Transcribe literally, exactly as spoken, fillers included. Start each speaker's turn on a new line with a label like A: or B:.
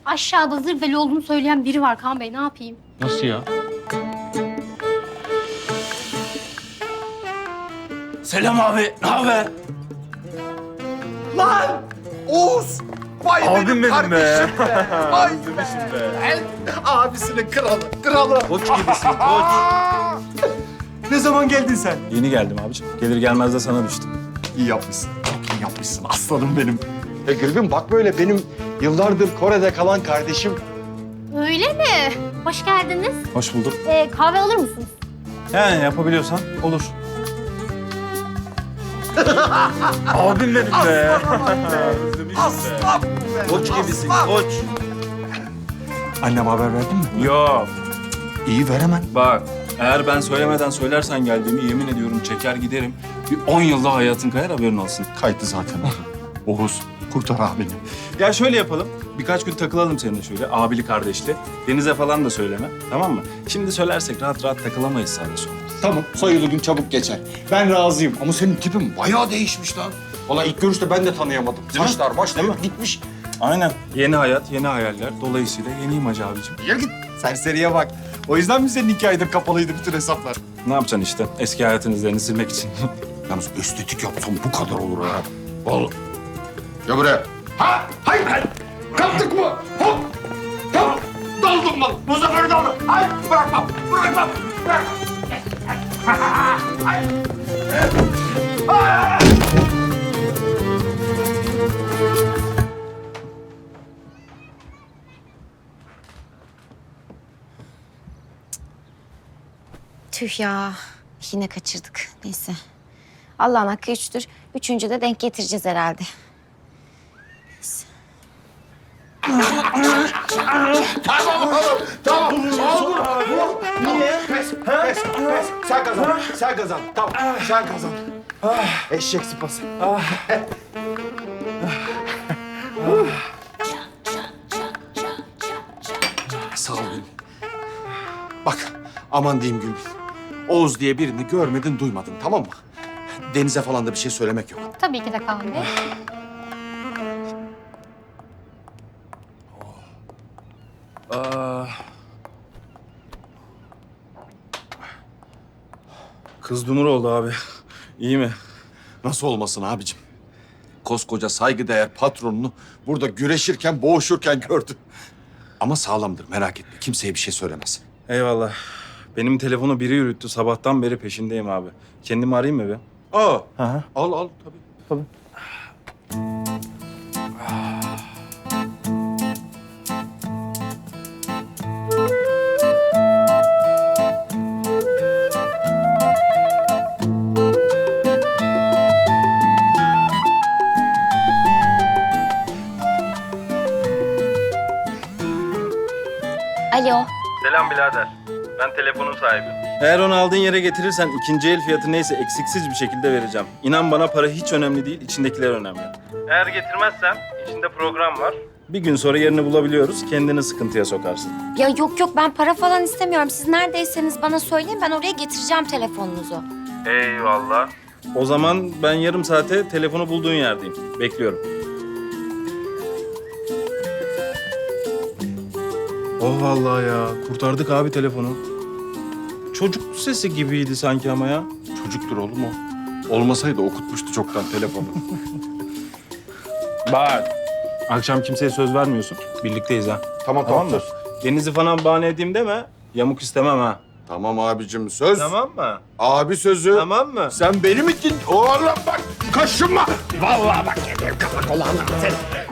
A: Aşağıda zırveli olduğunu söyleyen biri var Kaan Bey. Ne yapayım?
B: Nasıl ya?
C: Selam abi, ne haber?
D: Lan! Oğuz! Vay
C: Abim
D: benim
C: benim
D: kardeşim
C: be.
D: be! Vay
C: Özlemişim be.
D: be! Abisinin kralı, kralı!
C: Koç gibisin, koç.
D: Ne zaman geldin sen?
B: Yeni geldim abicim. Gelir gelmez de sana düştüm.
D: İyi yapmışsın, çok iyi yapmışsın aslanım benim. Ya Gülbin bak böyle benim yıllardır Kore'de kalan kardeşim.
A: Öyle mi? Hoş geldiniz.
B: Hoş bulduk.
A: Ee, kahve alır mısınız?
B: Yani yapabiliyorsan olur.
C: Abim benim be.
D: Aslanım be! Aslan be!
C: Koç gibisin,
D: Aslan!
C: koç.
D: Anneme haber verdin mi?
B: Yok.
D: İyi ver hemen.
B: Bak, eğer ben söylemeden söylersen geldiğimi yemin ediyorum çeker giderim. Bir on yılda hayatın kayar, haberin olsun.
D: Kaydı zaten. Oğuz, kurtar abini.
B: Ya şöyle yapalım. Birkaç gün takılalım seninle şöyle abili kardeşli. Denize falan da söyleme, tamam mı? Şimdi söylersek rahat rahat takılamayız sağda solda.
D: Tamam, sayılı gün çabuk geçer. Ben razıyım ama senin tipin bayağı değişmiş lan. Valla ilk görüşte ben de tanıyamadım.
B: Değil mi?
D: Saçlar, başlar
B: Değil mi?
D: gitmiş.
B: Aynen. Yeni hayat, yeni hayaller. Dolayısıyla yeni imaj abicim.
D: Ya git, serseriye bak. O yüzden mi senin iki aydır kapalıydı bütün hesaplar?
B: Ne yapacaksın işte? Eski hayatın izlerini silmek için.
D: Yalnız estetik yapsam bu kadar olur ya. Vallahi. Gel buraya. Ha? Hayır, hayır. Kaptık mı? Hop. Hop. Daldım lan. Bu sefer daldım. Hayır, bırakmam. Bırakmam. Bırakmam. Hayır. Hayır.
E: Tüh ya. Yine kaçırdık. Neyse. Allah'ın hakkı üçtür. Üçüncü de denk getireceğiz herhalde. Neyse.
D: Tamam oğlum. Tamam. Oldu. Niye? Pes, pes, pes. Sen kazan. Sen kazan. Tamam. Sen kazan. Eşek sıpası. Sağ ol Gülbin. Bak aman diyeyim Gülbin. Oğuz diye birini görmedin duymadın tamam mı? Deniz'e falan da bir şey söylemek yok.
A: Tabii ki de Kaan Bey.
B: Aa. Kız dumur oldu abi. İyi mi?
D: Nasıl olmasın abicim? Koskoca saygıdeğer patronunu burada güreşirken, boğuşurken gördü. Ama sağlamdır merak etme. Kimseye bir şey söylemez.
B: Eyvallah. Benim telefonu biri yürüttü. Sabahtan beri peşindeyim abi. Kendimi arayayım mı bir?
D: Aa,
B: Hı hı.
D: al al tabii.
B: Tabii.
E: Alo.
B: Selam birader. Ben telefonun sahibi. Eğer onu aldığın yere getirirsen ikinci el fiyatı neyse eksiksiz bir şekilde vereceğim. İnan bana para hiç önemli değil, içindekiler önemli. Eğer getirmezsen içinde program var. Bir gün sonra yerini bulabiliyoruz, kendini sıkıntıya sokarsın.
E: Ya yok yok ben para falan istemiyorum. Siz neredeyseniz bana söyleyin. Ben oraya getireceğim telefonunuzu.
B: Eyvallah. O zaman ben yarım saate telefonu bulduğun yerdeyim. Bekliyorum. Oh vallahi ya. Kurtardık abi telefonu. Çocuk sesi gibiydi sanki ama ya.
D: Çocuktur oğlum o. Olmasaydı okutmuştu çoktan telefonu.
B: Bak. Akşam kimseye söz vermiyorsun. Birlikteyiz ha.
D: Tamam
B: Tamam
D: tamam
B: mı? Deniz'i falan bahane edeyim deme. Yamuk istemem ha.
D: Tamam abicim söz.
B: Tamam mı?
D: Abi sözü.
B: Tamam mı?
D: Sen benim için oğlum bak kaşınma. Vallahi bak yedim kafa kulağına. Sen